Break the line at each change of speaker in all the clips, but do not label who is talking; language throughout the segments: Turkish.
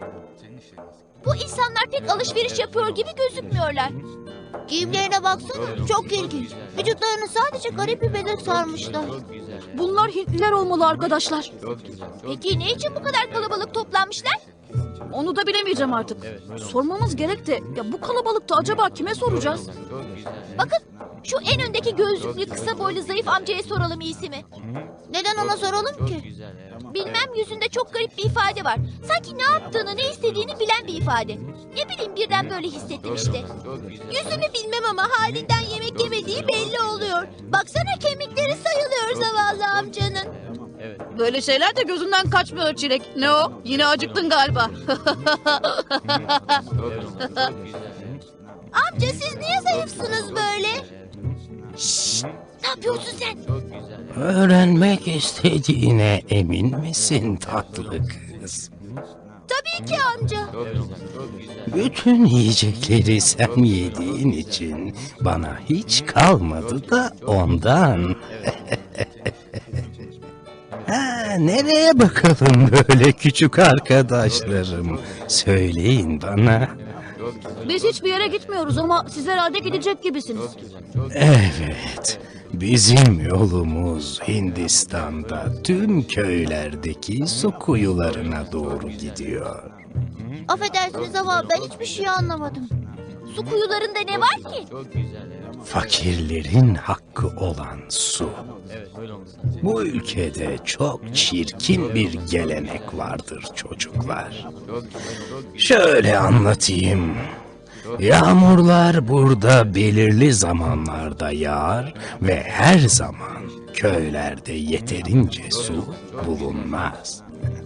Bu insanlar pek alışveriş yapıyor gibi gözükmüyorlar.
Giyimlerine baksana, çok ilginç. Vücutlarını sadece garip bir beden sarmışlar.
Bunlar Hintliler olmalı arkadaşlar.
Peki ne için bu kadar kalabalık toplanmışlar?
Onu da bilemeyeceğim artık. Sormamız gerek de ya bu kalabalıkta acaba kime soracağız?
Bakın şu en öndeki gözlüklü kısa boylu zayıf amcaya soralım iyisi mi?
Neden ona soralım ki?
Bilmem, yüzünde çok garip bir ifade var. Sanki ne yaptığını, ne istediğini bilen bir ifade. Ne bileyim, birden böyle hissettim işte. Yüzünü bilmem ama halinden yemek yemediği belli oluyor. Baksana, kemikleri sayılıyor zavallı amcanın.
Böyle şeyler de gözünden kaçmıyor Çilek. Ne o? Yine acıktın galiba.
Amca, siz niye zayıfsınız böyle? Şşş, ne yapıyorsun sen?
Öğrenmek istediğine emin misin tatlı kız?
Tabii ki amca.
Bütün yiyecekleri sen yediğin için bana hiç kalmadı da ondan. Ha, nereye bakalım böyle küçük arkadaşlarım? Söyleyin bana.
Biz hiçbir yere gitmiyoruz ama siz herhalde gidecek gibisiniz.
Evet, bizim yolumuz Hindistan'da tüm köylerdeki su kuyularına doğru gidiyor.
Affedersiniz ama ben hiçbir şey anlamadım.
Su kuyularında ne var ki?
Fakirlerin hakkı olan su. Bu ülkede çok çirkin bir gelenek vardır çocuklar. Şöyle anlatayım. Yağmurlar burada belirli zamanlarda yağar ve her zaman köylerde yeterince su bulunmaz.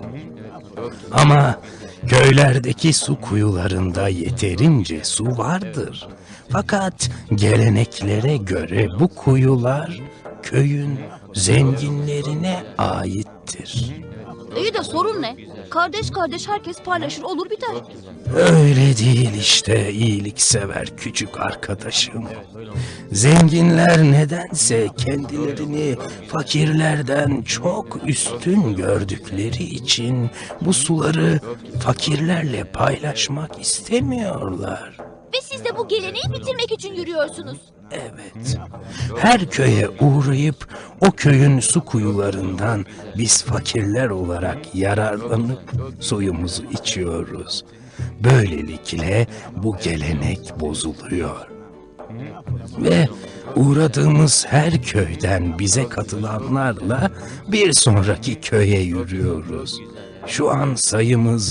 Ama köylerdeki su kuyularında yeterince su vardır. Fakat geleneklere göre bu kuyular köyün zenginlerine aittir.
İyi de sorun ne? Kardeş kardeş herkes paylaşır olur biter.
Öyle değil işte iyiliksever küçük arkadaşım. Zenginler nedense kendilerini fakirlerden çok üstün gördükleri için bu suları fakirlerle paylaşmak istemiyorlar.
Ve siz de bu geleneği bitirmek için yürüyorsunuz.
Evet. Her köye uğrayıp o köyün su kuyularından biz fakirler olarak yararlanıp suyumuzu içiyoruz. Böylelikle bu gelenek bozuluyor. Ve uğradığımız her köyden bize katılanlarla bir sonraki köye yürüyoruz. Şu an sayımız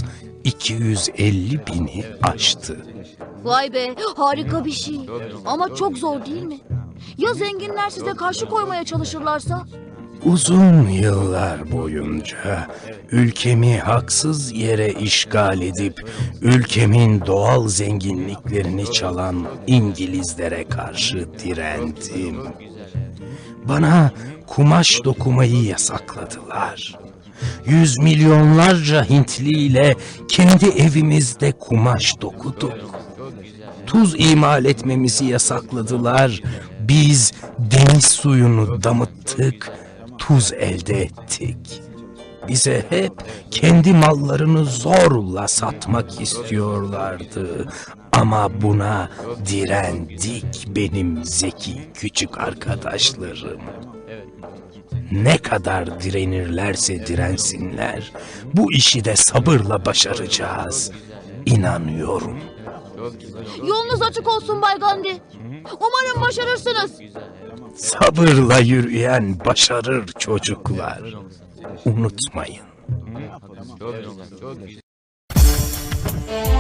250 bini aştı.
Vay be, harika bir şey. Ama çok zor değil mi? Ya zenginler size karşı koymaya çalışırlarsa?
Uzun yıllar boyunca ülkemi haksız yere işgal edip ülkemin doğal zenginliklerini çalan İngilizlere karşı direndim. Bana kumaş dokumayı yasakladılar. Yüz milyonlarca Hintli ile kendi evimizde kumaş dokuduk. Tuz imal etmemizi yasakladılar. Biz deniz suyunu damıttık, tuz elde ettik. Bize hep kendi mallarını zorla satmak istiyorlardı. Ama buna direndik benim zeki küçük arkadaşlarım. Ne kadar direnirlerse dirensinler, bu işi de sabırla başaracağız. İnanıyorum.
Yolunuz açık olsun Bay Gandhi. Umarım başarırsınız.
Sabırla yürüyen başarır çocuklar. Unutmayın.